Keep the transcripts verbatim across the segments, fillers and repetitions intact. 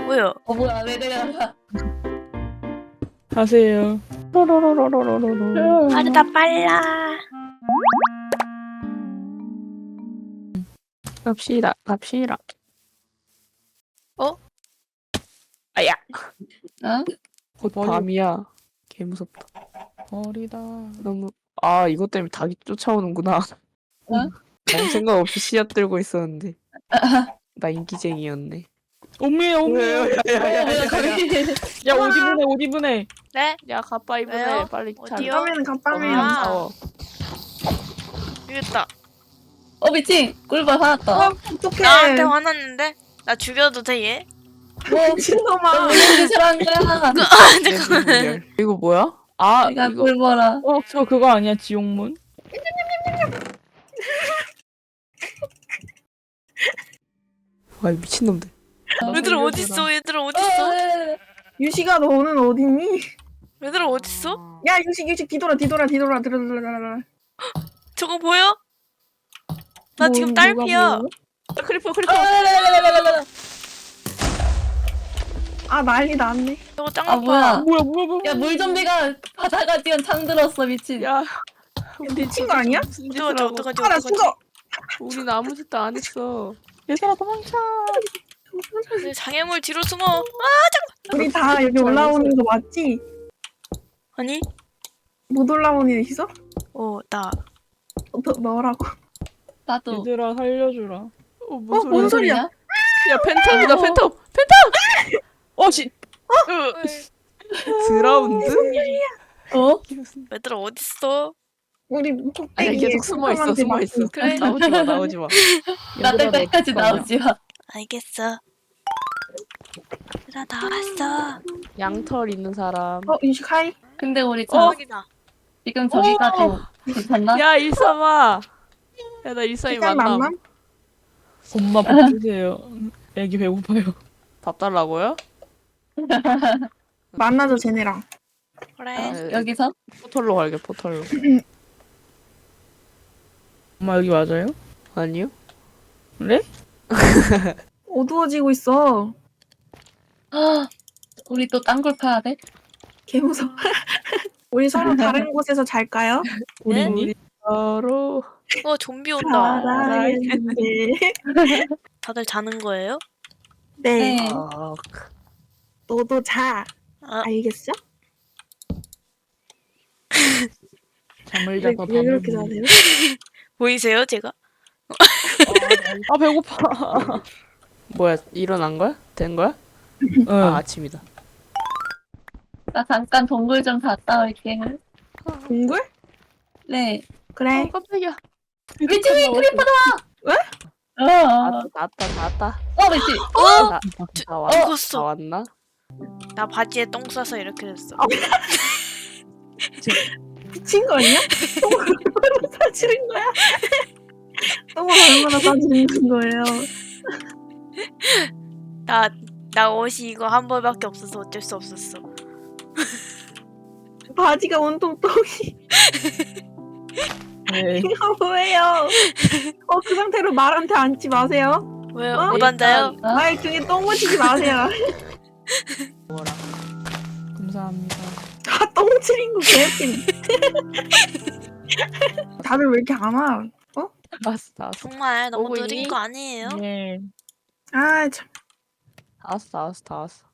뭐야? 어 뭐야 왜 내려가? 가세요. 로로로로로로로. 빠르다 빨라. 갑시다, 갑시다. 어? 아야. 어? 곧 밤이야. 개 무섭다. 어리다. 너무. 아 이것 때문에 닭이 쫓아오는구나. 어? 아무 생각 없이 씨앗 들고 있었는데. 나 인기쟁이였네. 어메 어메. 어, 뭐야 거기? 야 옷 입으네 옷 입으네. 네? 야 가빠 입으네. 왜요? 빨리 어디요? 갑바면 갑바면 아. 싸워. 이겼다. 어 미친 꿀벌 화났다. 어떡해 나한테 화났는데? 나 죽여도 돼 얘? 뭐 미친놈아 무슨 싫어한 거야? 내 분별. 이거 뭐야? 아 내가 이거. 꿀벌아. 어 저 그거 아니야 지옥문? 와 미친놈들. 얘들아 어딨어? 얘들아 어딨어? 유식아 너는 어딨니? 얘들아 어딨어? 야 유식 유식 뒤돌아 뒤돌아 뒤돌아 뒤돌아 뒤돌아 저거 보여? 나 뭐, 지금 뭐가 딸피야. 보여? 크리퍼 크리퍼. 아 난리 났네 저거 짱 아 아파. 뭐야? 뭐야 뭐야 뭐야. 야 물좀비가 바다가 뛰어 창들었어 미친. 야. 미친 거 아니야? 무슨 어떡하지 짓을 하고. 어떡하지 아 나 어떡하지? 죽어 우린 아무 짓도 안 했어. 얘들아 도망쳐. 네, 장애물 뒤로 숨어. 아 잠깐. 우리 다 여기 올라오는 거 맞지? 아니? 못 올라오는 애 있어? 어 나. 어, 너, 너라고 나도. 얘들아 살려주라. 어, 어, 뭔 뭔 소리야? 소리야? 야 팬텀이다 어. 팬텀 팬텀. 어 씨. 드라운드? 어? 얘들아 어딨어? 우리 아니 꼭대기에 계속 숨어 있어 콩콩한테 숨어 막 있어. 그래. 나오지 마 나오지 마. 나 얘들아, 너 때까지 어떡하냐? 나오지 마. 알겠어. 얘들아 나왔어. 양털 있는 사람. 어 유식 하이 근데 우리 저 어? 대박이다. 지금 저기까지 괜찮나? 야 일삼아. 야 나 일삼이 일단 만남. 만남? 엄마 밥 주세요. 애기 배고파요. 밥 달라고요? 만나자 쟤네랑 그래. 아, 여기서? 포털로 갈게 포털로. 엄마 여기 맞아요? 아니요. 그래? 어두워지고 있어 아, 우리 또 딴 걸 파야 돼? 개무서워 우리 서로 다른 곳에서 잘까요? 네? 우리 서로 어 좀비 온다. 살아있는데 다들 자는 거예요? 네 네. 아, 너도 자 아 알겠어? 잠을 왜, 자서 왜 밥을 그렇게 먹는. 자세요? 보이세요 제가? 아 배고파. 뭐야 일어난 거야? 된 거야? 응. 아 아침이다. 나 잠깐 동굴 좀 갔다 올게. 동굴? 네. 그래 어, 깜짝이야. 미친 크리퍼다! 왜? 어, 나왔다 어, 나왔다 나왔다. 어 미친. 어? 나, 저- 나 왔나? 죽었어. 나 왔나? 나 바지에 똥 싸서 이렇게 됐어. 미친 거 아니야? 똥을 얼마나 싸지는 거야? 똥을 얼마나 싸지는 거예요? 나, 나 옷이 이거 한 벌밖에 없어서 어쩔 수 없었어. 바지가 온통 똥이 네. 이거 뭐예요? 어 그 상태로 말한테 앉지 마세요. 왜요? 어? 못 앉아요? 어? 말 등에 똥 묻히지 마세요. 감사합니다. 다 똥 칠인 거 개웃긴. 다들 왜 이렇게 안 와? 나왔어 나왔어. 정말 너무 오고 느린 있니? 거 아니에요? 네. 아 참. 다 왔어 다 왔어 다 왔어.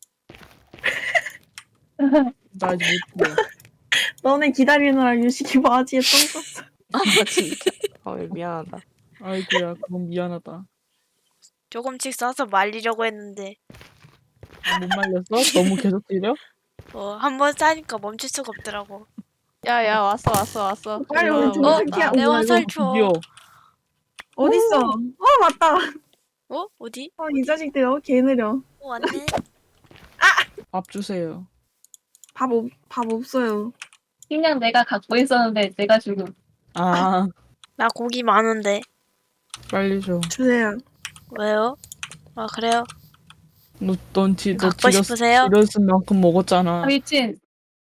나 아직 못 보여. 너네 기다리느라 유식이 바지에 똥 쌌어. 아 진짜. 어 미안하다. 아이고야 그건 미안하다. 조금씩 싸서 말리려고 했는데 아, 못 말렸어? 너무 계속 뛰려? 어, 한 번 싸니까 멈출 수가 없더라고. 야야 왔어 왔어 왔어. 빨리 일로 우리 와, 좀 와, 새끼야. 나- 내 어, 화살 이거 줘. 드디어. 어딨어? 어 맞다. 어? 어디? 어 이 자식들 어 개 느려. 어, 왔네. 밥 주세요. 밥, 없, 밥 없어요. 그냥 내가 갖고 있었는데 내가 주고. 아 나 고기 많은데. 빨리 줘. 주세요. 왜요? 아, 그래요? 너넌 지, 너 갖고 지렸, 싶으세요? 지렸은 만큼 먹었잖아. 아, 미친.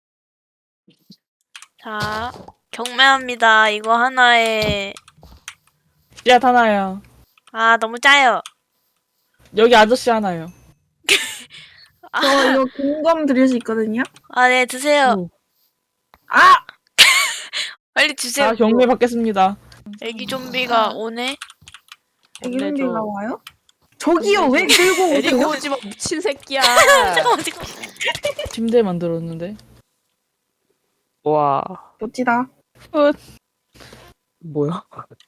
자, 경매합니다. 이거 하나에. 야 다나야. 아, 너무 짜요. 여기 아저씨 하나요. 저 이거 공검 드릴 수 있거든요. 아, 네, 드세요. 오. 아! 빨리 주세요. 아 경매 받겠습니다. 애기 좀비가 오네. 애기 근데 좀비가 저- 와요? 저기요, 왜 근데 들고 데리고 오세요? 오지 마 미친 새끼야. 잠깐만, 잠깐만. 침대 만들었는데. 와. 멋지다. 훗. 뭐야?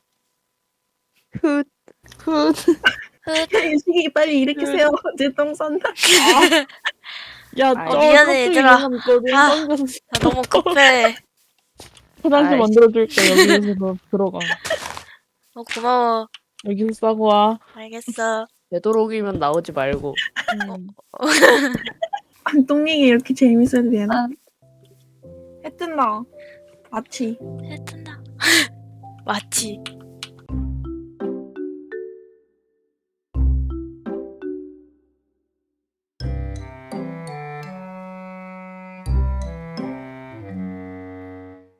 훗. 훗. 시기 빨리 일으키세요. 제 똥 싼다. 야, 어, 저 미안해, 얘들아. 아. 아. 나 너무 급해. 화장실 아이씨. 만들어줄게. 여기서 너 들어가. 어, 고마워. 여기서 싸고 와. 알겠어. 되도록이면 나오지 말고. 음. 아니, 똥 얘기 이렇게 재밌어도 되나? 아, 해 뜬다. 마치. 해 뜬다. 마치.